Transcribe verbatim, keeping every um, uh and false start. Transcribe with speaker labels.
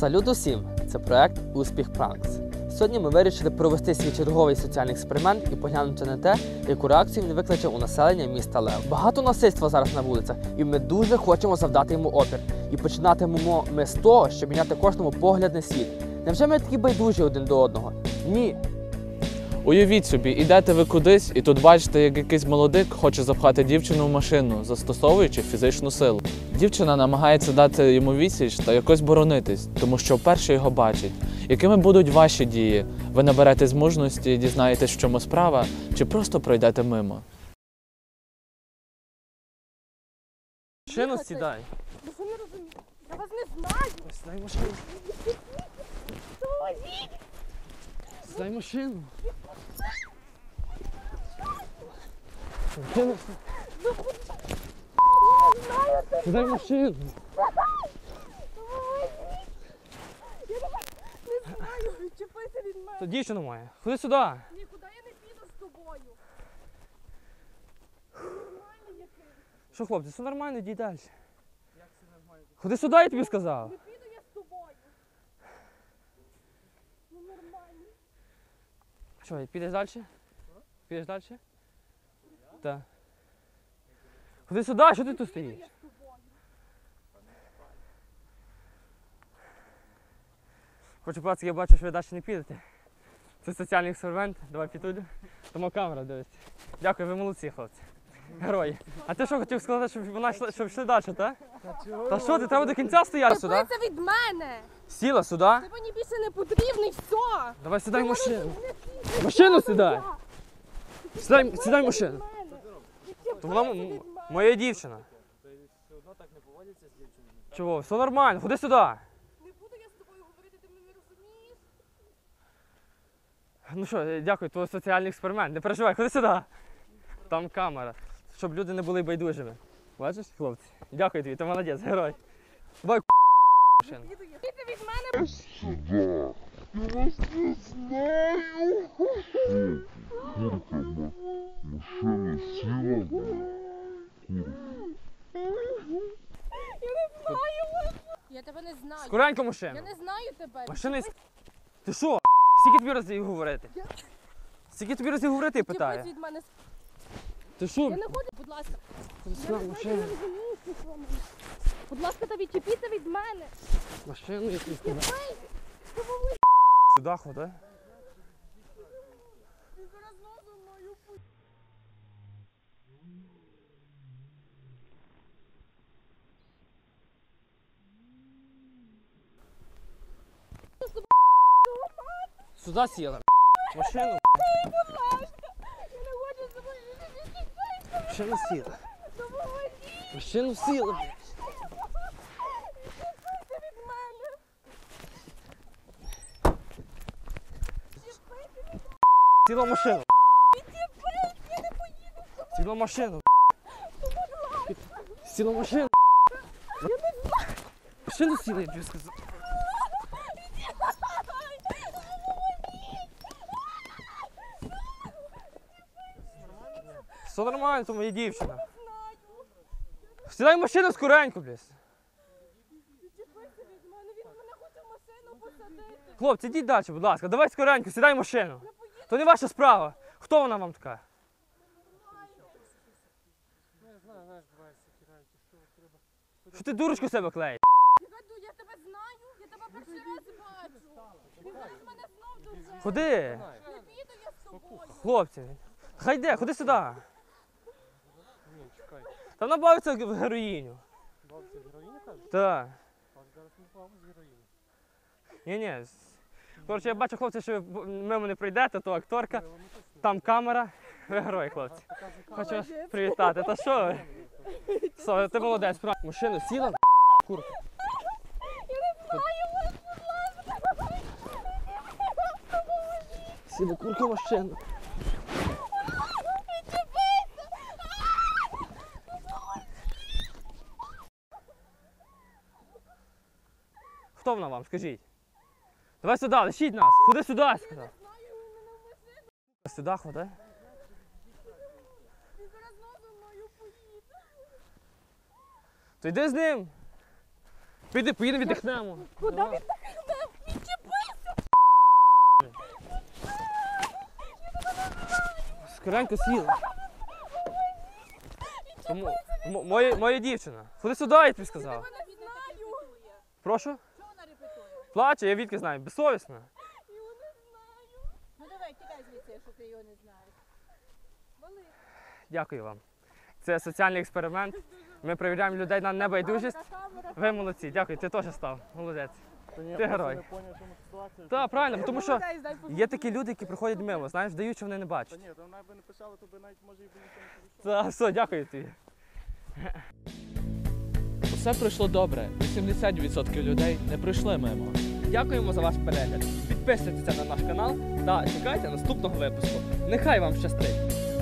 Speaker 1: Салют усім! Це проект «Успіх Пранкс». Сьогодні ми вирішили провести свій черговий соціальний експеримент і поглянути на те, яку реакцію він викличе у населення міста Лев. Багато насильства зараз на вулицях, і ми дуже хочемо завдати йому опір. І починатимемо ми з того, щоб міняти кожному погляд на світ. Невже ми такі байдужі один до одного? Ні!
Speaker 2: Уявіть собі, ідете ви кудись і тут бачите, як якийсь молодик хоче запхати дівчину в машину, застосовуючи фізичну силу. Дівчина намагається дати йому відсіч та якось боронитись, тому що вперше його бачить. Якими будуть ваші дії? Ви наберетесь мужності, дізнаєтесь, в чому справа, чи просто пройдете мимо?
Speaker 1: Машину сідай.
Speaker 3: Ви що не розумієте? Я вас не знаю.
Speaker 1: Сідай машину. Сідай машину. Машину. Сідай машину.
Speaker 3: Я не знаю, відчепися від мене.
Speaker 1: Це дівчина моя. Ходи сюди.
Speaker 3: Нікуди я не піду з тобою. Нормальний який.
Speaker 1: Що, хлопці, все нормально, йди далі. Як це нормально? Ходи сюди, я тобі сказав.
Speaker 3: Не піду я з тобою. Ну нормально.
Speaker 1: Що, підеш далі? Підеш далі? Так. Ходи сюди, що ти тут стоїш?
Speaker 3: Я з тобою.
Speaker 1: Хочу, пацки, я бачу, що ви далі не підете. Це соціальний експеримент, давай піду. Тому камера дивиться. Дякую, ви молодці, хлопці. Герої. А ти що хотів сказати, щоб вона йшла, щоб йшли далі, так? Та що, ти треба до кінця стояти сюди?
Speaker 3: Відчепися від мене.
Speaker 1: Сіла сюди?
Speaker 3: Ти мені більше не потрібний, все.
Speaker 1: Давай сідай в машину. Машину сідай. Сідай, сідай в машину. То вона м- м- моя дівчина.
Speaker 4: Все одно так не поводяться з дівчинами.
Speaker 1: Чого? Все нормально, ходи сюди.
Speaker 3: Не буду я з тобою говорити, ти мене не розумієш.
Speaker 1: Ну що, е, дякую, твій соціальний експеримент. Не переживай, ходи сюди. Там камера. Щоб люди не були байдужими. Бачиш, хлопці? Дякую тобі, ти молодець, герой. Давай машину.
Speaker 3: Піду я. Піди від мене.
Speaker 5: Машина сіла,
Speaker 3: Я не знаю. Я тебе не знаю.
Speaker 1: Скоренько машину.
Speaker 3: Я не знаю тебе.
Speaker 1: Машина із... Ти що? Скільки тобі разів говорити? Скільки тобі разів говорити, я
Speaker 3: Відчепись
Speaker 1: питаю?
Speaker 3: від мене.
Speaker 1: Ти що?
Speaker 3: Я не хочу, будь ласка.
Speaker 1: Ходи
Speaker 3: Я
Speaker 1: сюди,
Speaker 3: не знаю,
Speaker 1: машину.
Speaker 3: ти не розумієш, ти що мене. Будь ласка, та відчепіться від мене.
Speaker 1: Машину, я тобі сказав.
Speaker 3: Ей, ти мовиш.
Speaker 1: Сюди ходи.
Speaker 3: Ти зараз носом мою путь.
Speaker 1: Сюди сіла. Машину.
Speaker 3: Будь ласка. Я не хочу з тобою відчепитися.
Speaker 1: Машину сіла.
Speaker 3: Допоможіть.
Speaker 1: Машину сіла.
Speaker 3: Відчепися від мене.
Speaker 1: Сіла в машину.
Speaker 3: Відчепись, я не поїду з тобою.
Speaker 1: Сіла в машину. Сіла в машину. Машину сіла, я тобі сказав. Все нормально, то моя дівчина. Сідай в машину скоренько, блядь.
Speaker 3: Відчепися від мене. Він мене хоче в машину посадити.
Speaker 1: Хлопці, йдіть далі, будь ласка, давай скоренько, сідай в машину. То не ваша справа. Хто вона вам така?
Speaker 4: Ну, я знаю, знаєш, буває всякі речі, що треба.
Speaker 1: Що ти дурочку себе клеїш?
Speaker 3: Гаду, я тебе знаю, я тебе перший раз бачу. Він зараз мене знов дуже.
Speaker 1: Ходи.
Speaker 3: Не піду я з тобою.
Speaker 1: Хлопці, хай йде, ходи сюди.
Speaker 4: Ні, чекай.
Speaker 1: Там набавиться в героїню.
Speaker 4: Бабця героїня каже?
Speaker 1: Так.
Speaker 4: А зараз не бабу з героїні.
Speaker 1: Ні-ні. Коротше, я бачу, хлопці, що ви мимо не прийдете, то акторка, там камера. Ви герої, хлопці. Хочу вас привітати. Та що ви? Все, ти молодець, справді. Машину сіла, курка.
Speaker 3: Я не знаю, будь ласка.
Speaker 1: Сіла курка в машину. Хто вона вам, скажіть? Давай сюди, лишіть нас. Ходи сюди, я сказав. Сюди ходи.
Speaker 3: Він зараз знову мною поїде.
Speaker 1: То йди з ним. Піди, поїдемо віддихнемо.
Speaker 3: Куди віддихнемо? Відчепися!
Speaker 1: Скоренько сіла. Тому, м- моя, моя дівчина. Ходи сюди, я тобі сказав.
Speaker 3: Я не знаю.
Speaker 1: Прошу?
Speaker 3: Що вона репетує?
Speaker 1: Плаче, я відки знаю, безсовісна.
Speaker 3: Його не знаю. Ну давай, тікай звідси, якщо ти його не знаєш. Вали.
Speaker 1: Дякую вам. Це соціальний експеримент. Ми перевіряємо людей на небайдужість. Ви молодці, дякую, ти теж став. Молодець.
Speaker 4: Та ні,
Speaker 1: Ти
Speaker 4: я
Speaker 1: герой.
Speaker 4: просто не поняв, чому ситуація.
Speaker 1: Так, правильно, тому що
Speaker 3: Молодець, дай послухати.
Speaker 1: є такі люди, які приходять мимо, знаєш, вдають, що вони не
Speaker 4: Та
Speaker 1: бачать.
Speaker 4: ні, там навіть би не писали, то би навіть може і би ніхто не підійшов.
Speaker 1: Та, все, дякую тобі.
Speaker 2: Усе пройшло добре. вісімдесят відсотків людей не пройшли мимо.
Speaker 1: Дякуємо за ваш перегляд. Підписуйтеся на наш канал та чекайте наступного випуску. Нехай вам щастить!